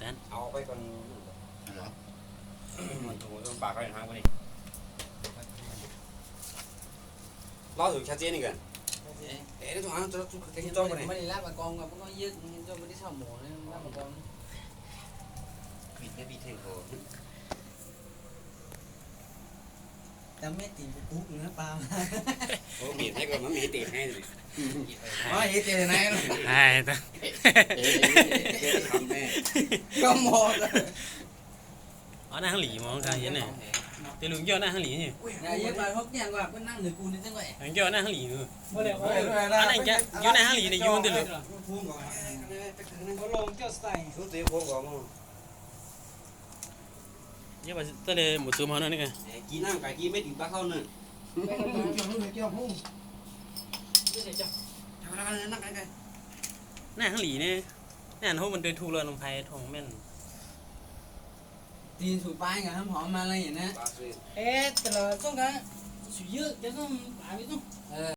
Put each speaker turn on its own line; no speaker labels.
นั้น
เอาไปก่อนเหรอมันถูกต้องปากเขาอย่างห้างวะนี่รอถึงชัดเจนอีกกันเอ๊ะถูกอ่ะจะจ้องไปไหน
ไม่ได้รับมากองกับมันก็ยึดจนไม่ได้เช่าหมูนะรับมากอง
ปิดไม่ปิดเท่งโต
แต่ไม่ตีปุ๊บนะปลา
โอ้ปิดให้ก่อนมันมีตีให้เลย
อ๋อเฮ้ยเจอไหน
ไอ้ตา
ทำแม่
ก็หมด
อ๋อหน้าข้างหลีมองทางเห็นเนี่ยแต่ลุงเกี่ยวหน้าข้างหลีนี่
อย่าเยอะไปพวกเนี่ยว่าเป็นนั่งหรือกูนี่จังไง
ลุงเกี่ยวหน้าข้างหลีนู่น
บ่ได้บ่
อันนั้นแกอยู่หน้าข้างหลีในยูนติลุ
พุ่งก่อน
บ่ลงเจ้าใส่
รู้ตีพุ่งก่อนมั้ง
เยอะไปตะเลยหมดซูมเขาหน่อยนี่ไง
กินน้ำไก่กินไม่ถึงปลาเข้าเนี่ย
เกี่ยวพุ่ง
ทำอะไรนั่งไก่ไก่
หน้าข้างหลีนี่หน้าเขามันเดินถูกเลยลงไผ่ทองแม่น
ตีนถูกป้ายกับน้ำหอมมาอะไรอย่างนี้
ปลาซื้อ
เอ๊ะแต่ละช่วงนั้นสุดเยอะจะต้องหาไปต้อง